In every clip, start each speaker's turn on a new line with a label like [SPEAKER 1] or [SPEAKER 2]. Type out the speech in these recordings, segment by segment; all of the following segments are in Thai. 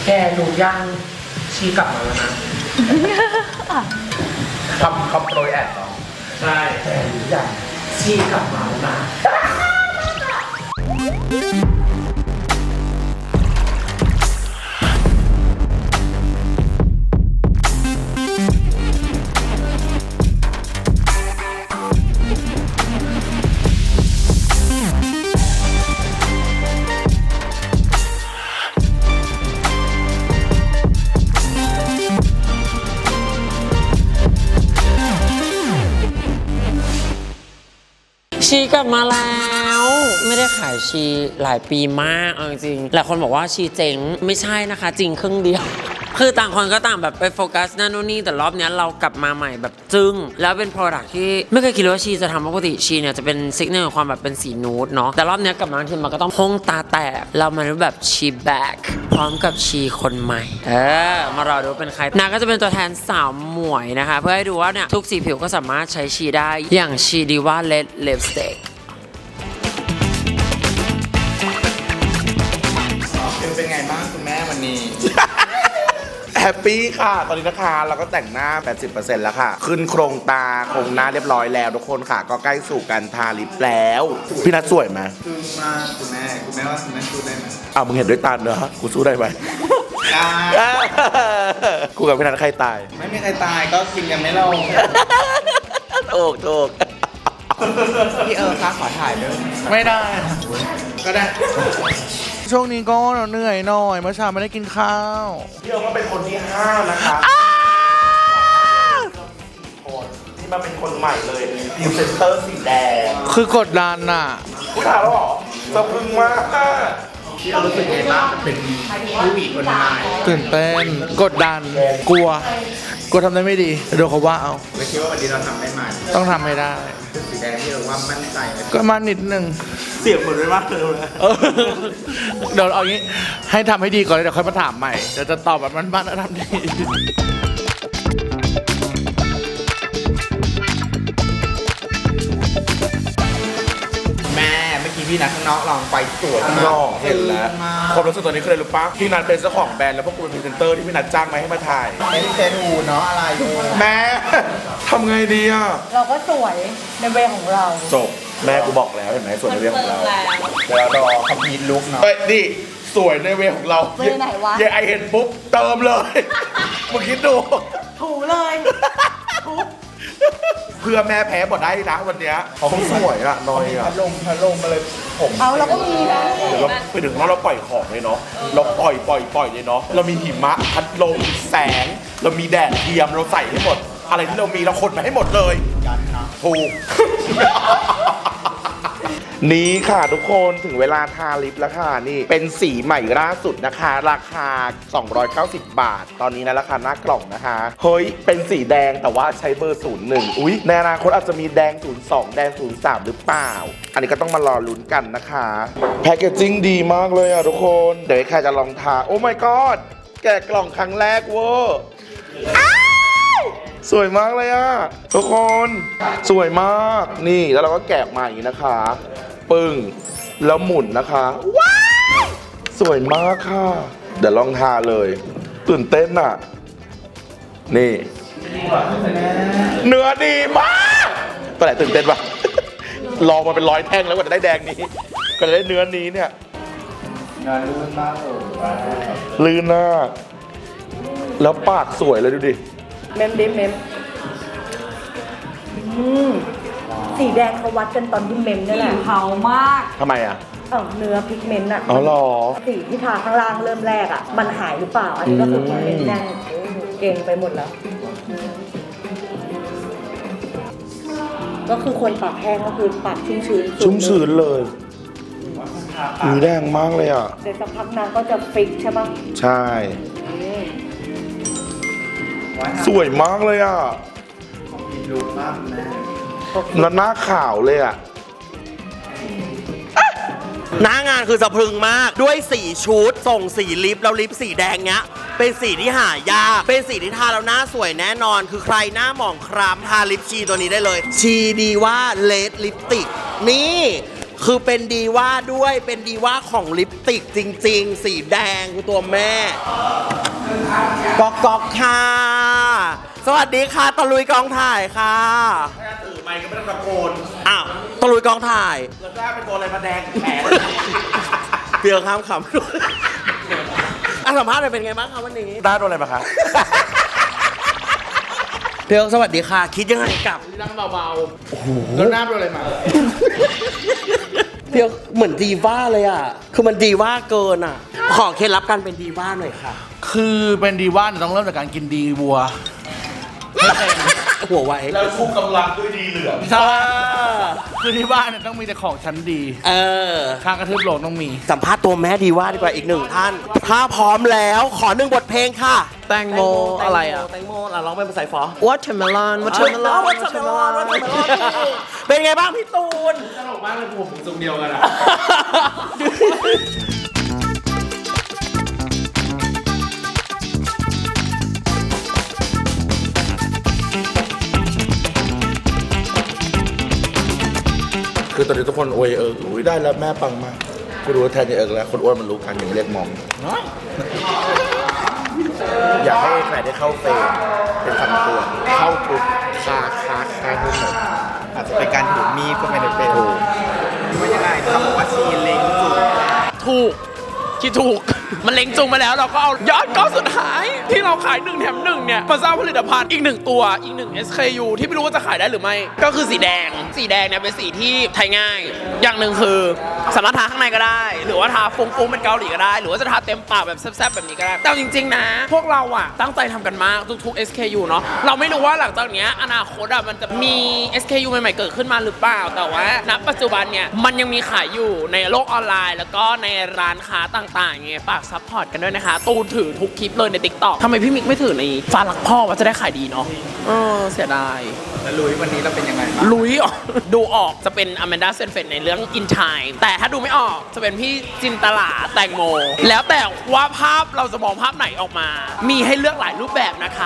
[SPEAKER 1] แกรู้ยังชีกลับมาแล้วนะคำโปรยแอดเหรอใช่แกรู้ยังชีกลับมาแล้วนะ
[SPEAKER 2] ชีกลับมาแล้วไม่ได้ขายชีหลายปีมากเอาจริงหลายคนบอกว่าชีเจ๋งไม่ใช่นะคะจริงครึ่งเดียวคือต่างคนก็ต่างแบบไปโฟกัสนั่นนู่นนี่แต่รอบนี้เรากลับมาใหม่แบบจึ้งแล้วเป็น product ที่ไม่เคยคิดเลยว่าชีจะทำปกติชีเนี่ยจะเป็นซิกเนอร์ของความแบบเป็นสีนูดเนาะแต่รอบนี้กลับมาทีมันก็ต้องพงตาแตกเรามาดูแบบชีแบ็คพร้อมกับชีคนใหม่มารอดูเป็นใครนางก็จะเป็นตัวแทนสาวหมวยนะคะเพื่อให้ดูว่าเนี่ยทุกสีผิวก็สามารถใช้ชีได้อย่างชีดีว่าเลดลิปสติก
[SPEAKER 3] เป็นไงบ้างคุณแม่วันนี้
[SPEAKER 4] แฮปปี้ค่ะตอนนี้นะคะเราก็แต่งหน้า 80% แล้วค่ะขึ้นโครงตาโครงหน้าเรียบร้อยแล้วทุกคนค่ะก็ใกล้สู่การทาลิปแล้วพี่นัทสวยไหม
[SPEAKER 3] คือมาคุณแม่ว่าคุณแม่สู้ได้ไหม
[SPEAKER 4] อ้าวมึงเห็นด้วยตาเนอะกูสู้ได้ไหม
[SPEAKER 3] ได้
[SPEAKER 4] กูกับพี่นัทใครตาย
[SPEAKER 3] ไม่มีใครตายก็กินกันไม่ลง
[SPEAKER 4] ถูก
[SPEAKER 3] พี่คะขอถ่ายด้วย
[SPEAKER 4] ไม่ได้
[SPEAKER 3] ก็ได้
[SPEAKER 4] ช่วงนี้ก็เหนื่อยหน่อยเมื่อเช้าไม่ได้กินข้าวพี่ก็เป็นคนที่5นะคะที่มาเป็นคนใหม่เลยพรีเซนเตอร์สีแดงคือกดดันน่ะผู้ถามแล้วหรอสะพรึงมาก
[SPEAKER 3] พี่รู้สึกไงบ้างเป็นผู้หญิงคนใหม่
[SPEAKER 5] ตื่นเต้นกดดันกลัวทำได้ไม่ดีเดี๋ยวเขาว่าเอา
[SPEAKER 3] ไม่คิดว่าวันนี้เราทำได้ไหม
[SPEAKER 5] ต้องทำให้ได้
[SPEAKER 3] สีแดงที่เราว่ามั่นใจเลย
[SPEAKER 5] ก็มานิดนึง
[SPEAKER 4] เสียงเหมือนไม่มากเลย
[SPEAKER 5] เดี๋ยวเอางี้ให้ทำให้ดีก่อนเลยเดี๋ยวค่อยมาถามใหม่เดี๋ยวจะตอบแบบมันๆแล้วทำดี
[SPEAKER 3] แม่เมื่อกี้พี่นัทข้างนอกลองไปตรวจ
[SPEAKER 4] ข้างนอกเห็นแล้วความรู้สึกตอนนี้คืออะไรรู้ปะพี่นัทเป็นเจ้าของแบรนด์แล้วพวกกูเป็นพรีเซนเตอร์ที่พี่นัทจ้างมาให้มาถ่าย
[SPEAKER 3] ไม่ได้เซนูเนาะอะไรดู
[SPEAKER 4] แม่ทำไงดีอ่ะ
[SPEAKER 6] เราก็สวยในเวของเรา
[SPEAKER 4] จบแม่กูบอกแล้วเห็นไหมส่วนในเรื่องของเรา
[SPEAKER 3] เดี๋ยวเรารอคอมพิวต์ลุกเนาะ
[SPEAKER 4] เอ้ยนี่สวยในเวของเรา
[SPEAKER 6] เวไหนวะ
[SPEAKER 4] เยไอเห็นปุ๊บเติมเลยมึงคิดดู
[SPEAKER 6] ถูเลย
[SPEAKER 4] เพื่อแม่แพ้หมดได้นะวันเนี้ยเขาสวยอ่ะน้อยอ่ะ
[SPEAKER 3] พัดลมมาเลยผม
[SPEAKER 6] เอาเราก็มีนะ
[SPEAKER 4] เดี๋ยวเราไปถึงเราปล่อยของเลยเนาะเราปล่อยเลยเนาะเรามีหิมะพัดลมแสง เรามีแดดเทียมเราใส่ให้หมด อะไรที่เรามีเราขนมาให้หมดเลยถูก นี้ค่ะทุกคนถึงเวลาทาลิปแล้วค่ะนี่เป็นสีใหม่ล่าสุดนะคะ ราคา 290 บาท ตอนนี้นะราคาหน้ากล่องนะคะเฮ้ยเป็นสีแดงแต่ว่าใช้เบอร์ 01อุ๊ยในอนาคตอาจจะมีแดง 02 แดง 03 หรือเปล่า อันนี้ก็ต้องมารอลุ้นกันนะคะแพคเกจจิ้งดีมากเลยอ่ะทุกคนเดี๋ยวใครจะลองทาโอ้ my god แกะกล่องครั้งแรกเวอร์สวยมากเลยอ่ะทุกคนสวยมากนี่แล้วเราก็แกะออกมาอย่างนี้นะคะปึ้งแล้วหมุนนะคะว้าวสวยมากค่ะเดี๋ยวลองทาเลยตื่นเต้นอ่ะนี่เนื้อดีมากตัวไหนตื่นเต้นปะ ลองมาเป็น100 แท่งแล้วกว่าจะได้แดงนี้ก็จะได้เนื้อนี้เนี่ยงานลื่นมากลื่นมากแล้วปากสวยเลยดูดิ
[SPEAKER 6] เมมดิเมมสีแดงเขาวัดกันตอนที่เมมนี่แหละเผามาก
[SPEAKER 4] ทำไมอ่ะ
[SPEAKER 6] เนื้อพิกเมนต์อะ
[SPEAKER 4] อ๋อเหรอ
[SPEAKER 6] สีที่ทาข้างล่างเริ่มแรกอะมันหายหรือเปล่า อันนี้ก็คือพิกเมนต์แน่นเก่งไปหมดแล้ว ก็คือคนปากแห้งก็คือปากชุ่มชื้น
[SPEAKER 4] ชุ่มชื้นเลยมีแดงมากเลยอ่ะ
[SPEAKER 6] เดี๋ยวสักพักนางก็จะฟิกใช่ปะ
[SPEAKER 4] ใช่สวยมากเลยอ่ะ
[SPEAKER 3] ลุกมากแม่
[SPEAKER 4] แล้วหน้าขาวเลยอ่ะ
[SPEAKER 2] หน้างานคือสะพรึงมากด้วยสีชุดส่งสีลิปแล้วลิปสีแดงเนี้ยเป็นสีที่หายากเป็นสีที่ทาแล้วหน้าสวยแน่นอนคือใครหน้าหมองคล้ำทาลิปชีตัวนี้ได้เลยชีดีว่าเลดลิปติกนี่
[SPEAKER 7] คือเป็นดีว่าด้วยเป็นดีว่าของลิปสติกจริงๆ สีแดงคือตัวแม่ก๊อกค่ะ สวัสดีค่ะตะลุยกองถ่ายค่ะ
[SPEAKER 5] ถือไมค์ก็ไม่ต้องตะโกน
[SPEAKER 7] อ้าวตะลุยกองถ่าย
[SPEAKER 5] แล้วก็เป็นตัวอะไรมาแดงแขน
[SPEAKER 7] เพียงข้ามคำด้วยสัมภาษณ์หน่อยเป็นไงบ้างคะวันนี้
[SPEAKER 5] ได้โดนอะไรมาคะ
[SPEAKER 7] เพียงสวัสดีค่ะ คิดยังไงกับ
[SPEAKER 5] นั่งเบาๆ โอ้โห แล้วหน้าโดนอะไรมา
[SPEAKER 7] เพียงเหมือนดีว่าเลยอ่ะ คือมันดีว่าเกินอ่ะ ขอเคล็ดลับการเป็นดีว่าหน่อยค่ะ
[SPEAKER 5] คือเป็นดีว่าเนี่ยต้องเริ่มจากการกินดีวัว
[SPEAKER 7] หัวไว
[SPEAKER 4] แล้วคุมกำลังด้วยดีเหลือง
[SPEAKER 5] ใช่คือที่บ้านเนี่ยต้องมีแต่ของชั้นดี ข้างกระทืบโลงต้องมี
[SPEAKER 7] สัมภาษณ์ตัวแม่ดีว่าดีกว่าอีกหนึ่งท่าน ถ้าพร้อมแล้วขอหนึ่งบทเพลงค่ะ
[SPEAKER 2] แตงโมอะไรอ่ะ
[SPEAKER 7] แตงโมร้องเป็นภาษาฟอ
[SPEAKER 2] watermelon
[SPEAKER 7] เป็นไงบ้างพี่ตูน
[SPEAKER 5] ตลกมากเลยผมทรงเดียวกันอะ
[SPEAKER 4] คือตอนนี้ทุกคนอวยอุ้ยได้แล้วแม่ปังมากกูรู้ว่าแทนจะแล้วคนอ้วนมันรู้กันอย่างเรียกมอง อยากให้ใครได้เข้าเฟรมเป็นคำเตือนเข้าทุกคาทุกหมด
[SPEAKER 3] อาจจะเป็นการถือมีดก็ไม่ได้เป็นว่ายังไงเขาบอกว่าชีเล้งจุก
[SPEAKER 8] ถูกคิดถูก มันเล็งจุงมาแล้วเราก็เอายอดก้อนสุดท้ายที่เราขาย1 แถม 1เนี่ยมาสร้างผลิตภัณฑ์อีก1ตัวอีก1 SKU ที่ไม่รู้ว่าจะขายได้หรือไม่ก็คือสีแดงเนี่ยเป็นสีที่ใช้ง่ายอย่างหนึ่งคือสามารถทาข้างในก็ได้ หรือว่าทาฟุ้งๆเป็นเกาหลีก็ได้ หรือว่าจะทาเต็มปากแบบแซ่บๆแบบนี้ก็ได้แต่จริงๆนะพวกเราอะตั้งใจทำกันมากทุกๆ SKU เนาะเราไม่รู้ว่าหลังจากเนี้ยอนาคตอะมันจะมี SKU ใหม่ๆเกิดขึ้นมาหรือเปล่าแต่ว่าณปัจจุบันเนี่ยมันยังมีขายอยู่ในโลกออนไลน์แล้วก็ในร้านค้าต่างๆไงฝากซัพพอร์ตกันด้วยนะคะตูนถือทุกคลิปเลยใน TikTok ทำไมพี่มิกไม่ถือในฟ้ารักพ่อว่าจะได้ขายดีเนาะเสียดาย
[SPEAKER 3] แล้วลุยวันนี้เราเป็นยังไงบ้าง
[SPEAKER 8] ลุยออกดูออกจะเป็นอแมนดาเซนเฟตในเรื่อง In Time แต่ถ้าดูไม่ออกจะเป็นพี่จินตลาแตงโม แล้วแต่ว่าภาพเราจะมองภาพไหนออกมา มีให้เลือกหลายรูปแบบนะคะ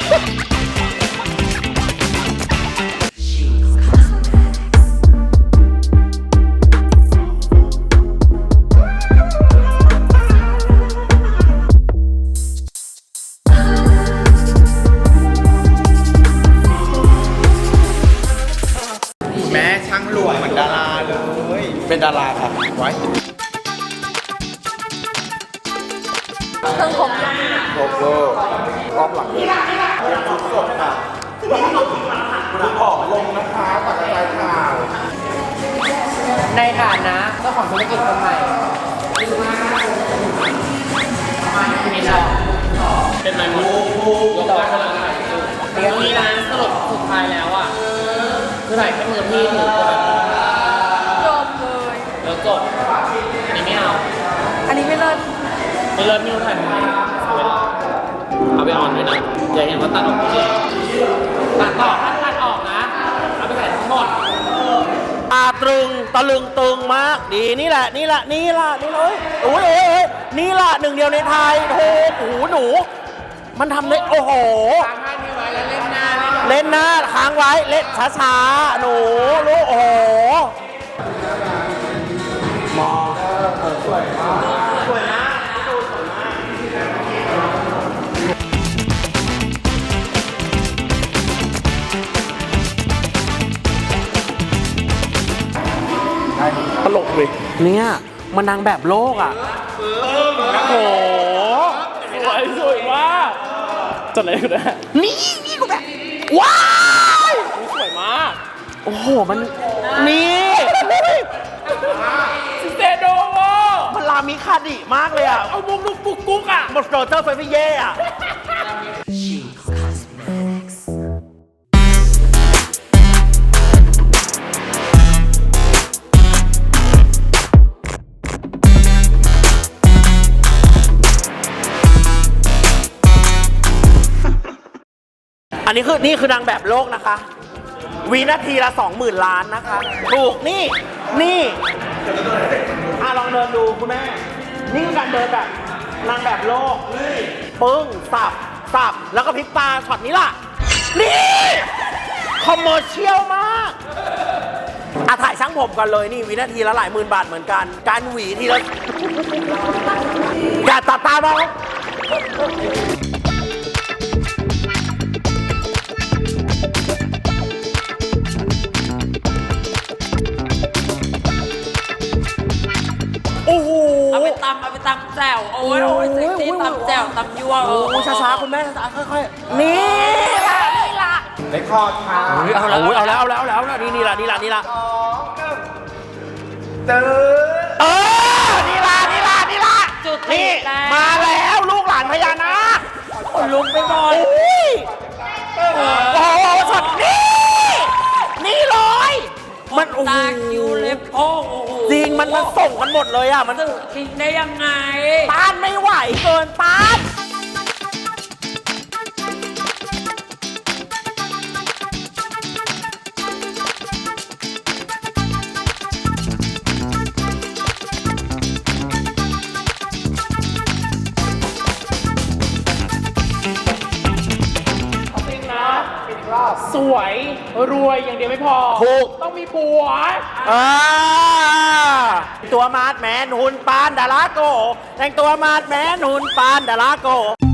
[SPEAKER 3] แม่ช่างหลวงเหมือนดาราเลย
[SPEAKER 5] เป็นดาราครับ
[SPEAKER 3] ไว้
[SPEAKER 6] เครื่องครบยัง
[SPEAKER 4] โลโก้รอบหลังสดค่ะคุณออกลงนะคะตัดกระจายข่าว
[SPEAKER 2] ในฐานะเจ้าของธุรกิจคนใหม่เป็นไรมั้ยยกได้กำลังถ่ายอยู่เดี๋ยวนี้นะสรุปสุดท้ายแล้วอ่ะคือถ่ายแค่มือพี่ถือตัวแบบ
[SPEAKER 6] จบเลย
[SPEAKER 2] แล้วจบอันนี้ไม่เอา
[SPEAKER 6] อันนี้ไม่เลิศ
[SPEAKER 2] ไม่เลิศไม่รู้ถ่ายทำไมเอาไปออนด้วยนะอย่าเห็นว่าตัดออกเฉยตัดต่อถ้าตัดออกนะเอาไปใส่ทั้งหมด
[SPEAKER 7] ตรึงตะลึงตึงมากดีนี่แหละนี่เลยโอ้ยนี่แหละหนึ่งเดียวในไทยโอ้โหหนูมันทำได้โอ้โหเล่นหน้าค้างไว้เล่นช้าๆหนูลูกโอ้โหมองสวยมากสวยมากตลกเลยเนี่ยมันนางแบบโลกอ่ะโอ้โห
[SPEAKER 8] สวยมากจดอะไรกันนะ
[SPEAKER 7] นี่กูแบบว้าย
[SPEAKER 8] สวยมาก
[SPEAKER 7] โอ้โหมันนี่
[SPEAKER 8] ซิเตโดโว
[SPEAKER 7] มันลามิคาดิมากเลยอ่ะ
[SPEAKER 8] เอามุกลุกกุ๊กกุ๊กอ่ะ
[SPEAKER 7] หมดโรเจอร์เฟรฟี่เย่อ่ะ อันนี้นี่คือนางแบบโลกนะคะ วินาทีละ 20,000 ล้านนะคะ ถูกนี่ลองเดินดูคุณแม่ นี่คือการเดินแบบนางแบบโลกนี่ปึ้งสับแล้วก็พลิกตาช็อตนี้ล่ะ นี่คอมเมอร์เชียลมากถ่ายช่างผมก่อนเลยนี่วินาทีละหลายหมื่นบาทเหมือนกัน การหวีทีละอย่าตัดตาบ้างโอ้โห
[SPEAKER 2] เอาไปตำแจ่วโอ้ยเซ็กซี่ตำแจ่วตำยั่ว
[SPEAKER 7] โอ้ช้าๆคุณแม่ช้าๆค่อยๆนี่ล่ะนี่ล่ะ
[SPEAKER 3] ในคอร์ดค่ะ
[SPEAKER 7] เอาแล้วเอาแล้วเอาแล้วเอาแล้วนี่ล่ะเออนี่ล่ะ
[SPEAKER 2] จุด
[SPEAKER 7] นี่
[SPEAKER 2] แล้ว
[SPEAKER 7] มาแล้วลูกหลานพญานาค
[SPEAKER 2] คนลุกไปหมด
[SPEAKER 7] โอ้โหช็อตนี่เลยมันโอ้โห
[SPEAKER 2] ตาคิวเล็บโอ้โห
[SPEAKER 7] จริงมันส่งกันหมดเลยอ่ะมัน
[SPEAKER 2] คิงได้ยังไง
[SPEAKER 7] ต้านไม่ไหวเกินต้าน
[SPEAKER 8] สวยรวยอย่างเดียวไม่พอ
[SPEAKER 7] ถูก
[SPEAKER 8] ต้องมีผัว
[SPEAKER 7] ตัวมาดแมนหุ่นปานดาราโกแต่งตัวมาดแมนหุ่นปานดาราโก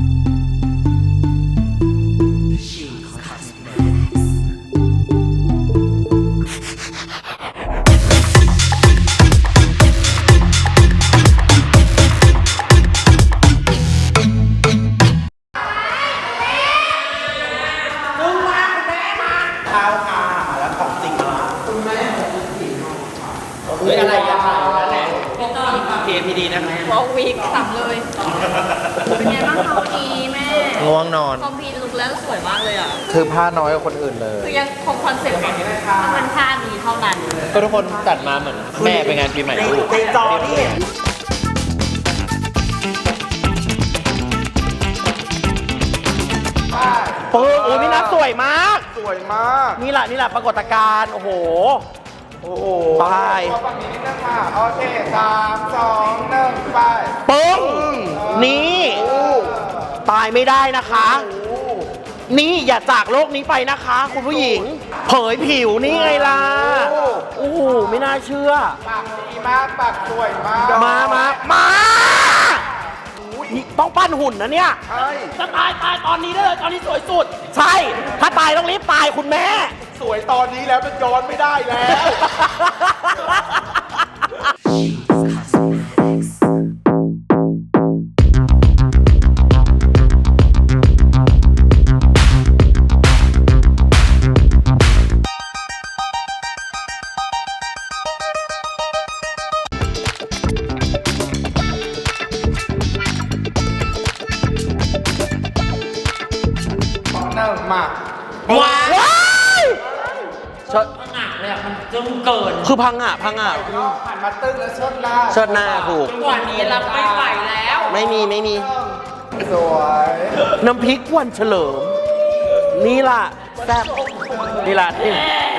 [SPEAKER 9] วอลวีกสับเลย เป็นไงบ้างคะวันนี้แม่
[SPEAKER 3] ง่วงนอน
[SPEAKER 9] คอมพีลุกแล้วสวยมากเลยอ่ะ
[SPEAKER 3] คือผ้าน้อยกว่าคนอื่นเลย
[SPEAKER 9] คือยังคงคอนเซ็ปต์ของต้องเป็นท่านี้เท่านั้น
[SPEAKER 3] ก็ทุกคนจัดมาเหมือนแม่ไปงานปีใหม่ลูก
[SPEAKER 7] ในจอนี่ โอ้ยพี่นัทสวยมาก
[SPEAKER 4] สวยมาก
[SPEAKER 7] นี่แหละปรากฏการณ์โอ้โห
[SPEAKER 4] โอ้โห
[SPEAKER 7] ไป
[SPEAKER 3] ฝั่งนี้นิดนึงค่ะโอเค3 2 1ไป
[SPEAKER 7] ปึ้งนี่ตายไม่ได้นะคะ นี่อย่าจากโลกนี้ไปนะคะ คุณผู้หญิง เผยผิวนี่ไงล่ะ โอ้โห ไม่น่าเชื่อ
[SPEAKER 3] ปากดีมากปากสวยมาก
[SPEAKER 7] มานี่ต้องปั้นหุ่นนะเนี่ย
[SPEAKER 3] ใช่
[SPEAKER 7] จะตายตอนนี้ได้เลย ตอนนี้สวยสุด ใช่ ถ้าตายต้องรีบตายคุณแม่
[SPEAKER 3] สวยตอนนี้แล้วมันย้อนไม่ได้แล้ว หนึ่งมา
[SPEAKER 7] ว้ายเชิด
[SPEAKER 2] พังงะเลยอะมันจึงเกิน
[SPEAKER 7] คือพังอ่ะ
[SPEAKER 3] หันมาตึ้งแล้วเชิดหน้า
[SPEAKER 7] เชิดหน้าถูก
[SPEAKER 2] กว่านี้รับไม่ไหวแล้ว
[SPEAKER 7] ไม่มี
[SPEAKER 3] สวย
[SPEAKER 7] น้ำพริกวันเฉลิม นี่ล่ะแซ่บนี่ล่ะนี่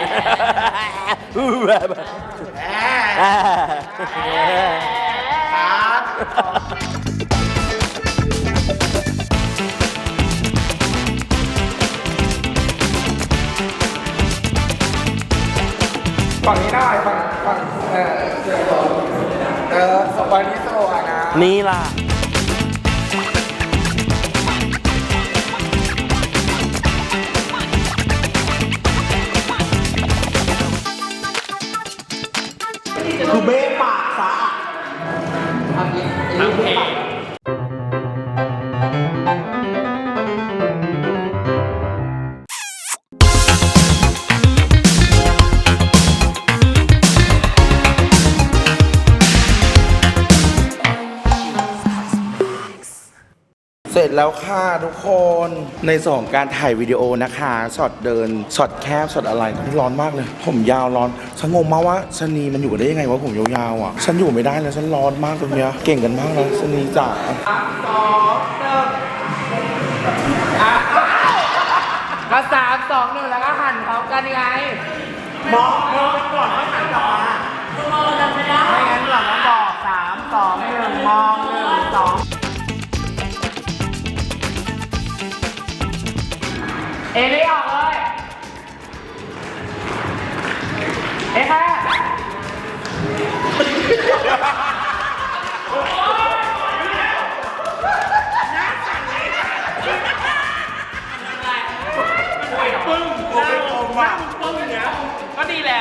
[SPEAKER 3] ฝั่งนี้ได้ฝั่งฝั่งวันนี้สวยนะ
[SPEAKER 7] นี่ล่ะ คือเบ้ปากซะ
[SPEAKER 4] เสร็จแล้วค่ะทุกคน ในส่วนของการถ่ายวิดีโอนะคะช็อตเดินช็อตแคบช็อตอะไรร้อนมากเลย ผมยาวร้อนฉันงงมากว่าชะนีมันอยู่ได้ยังไงวะผมยาวๆอ่ะฉันอยู่ไม่ได้เลยฉันร้อนมากตรงเนี้ยเก่งกันมากเลยชะนีจ๋า
[SPEAKER 1] ก็3 2 1แล้วก็หันพร้อมกันไง
[SPEAKER 7] มองกันก่อนค่อยหันกลับมา
[SPEAKER 1] ไม่งั้นหลังต้องบอก3 2 1มอง1 2เอลี่ออกเลย เอ้แค่
[SPEAKER 8] ก็ดีแล้ว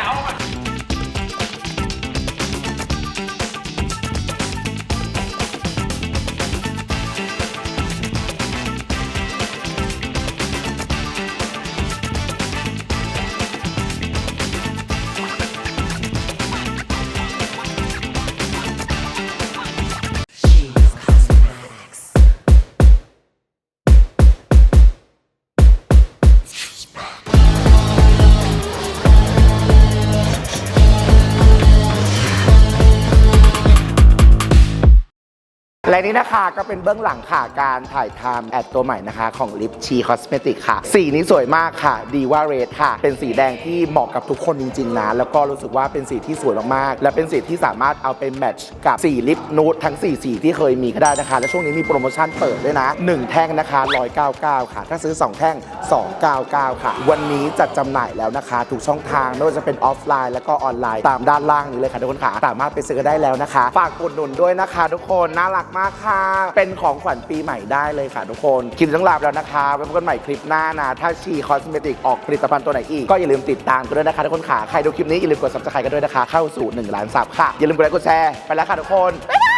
[SPEAKER 7] และนี่นะคะก็เป็นเบื้องหลังค่ะการถ่ายทำแอดตัวใหม่นะคะของลิปชีคอสเมติกค่ะสีนี้สวยมากค่ะดีว่าเรดค่ะเป็นสีแดงที่เหมาะกับทุกคนจริงๆนะแล้วก็รู้สึกว่าเป็นสีที่สวยมากๆและเป็นสีที่สามารถเอาไปแมทช์กับสีลิปนูดทั้ง4สีที่เคยมีก็ได้นะคะและช่วงนี้มีโปรโมชั่นเปิดด้วยนะ1แท่งนะคะ199ค่ะถ้าซื้อ2แท่ง299ค่ะวันนี้จัดจำหน่ายแล้วนะคะทุกช่องทางไม่ว่าจะเป็นออฟไลน์แล้วก็ออนไลน์ตามด้านล่างนี้เลยค่ะทุกคนค่ะสามารถไปซื้อได้แล้วนะคะฝากอุดหนุนด้วยนะคะทุกคนน่ารักมากค่ะเป็นของขวัญปีใหม่ได้เลยค่ะทุกคนคลิปต้องลาไปแล้วนะคะไว้พบกันใหม่คลิปหน้านะถ้าชีคอสเมติกออกผลิตภัณฑ์ตัวไหนอีกก็อย่าลืมติดตามกันด้วยนะคะทุกคนค่ะใครดูคลิปนี้อย่าลืมกด Subscribe กันด้วยนะคะเข้าสู่1 ล้านซับค่ะอย่าลืมกดไลค์กดแชร์ไปแล้วค่ะทุกคน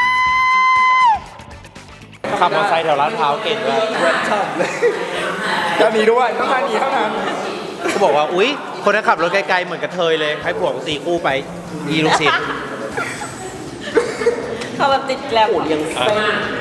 [SPEAKER 7] ขับมอเตอร์ไซค์แถวลาดพร้าวเก่งด้วย
[SPEAKER 3] ก็มีด้วยต้องมาดีเท่านั้น
[SPEAKER 7] เขาบอกว่าอุ๊ยคนที่ขับรถไกลๆเหมือนกระเทยเลยให้ผัวตีคู่ไปยีลูกศิษย์
[SPEAKER 6] เขาแบบติดแล้ว
[SPEAKER 2] ยังแซ่บ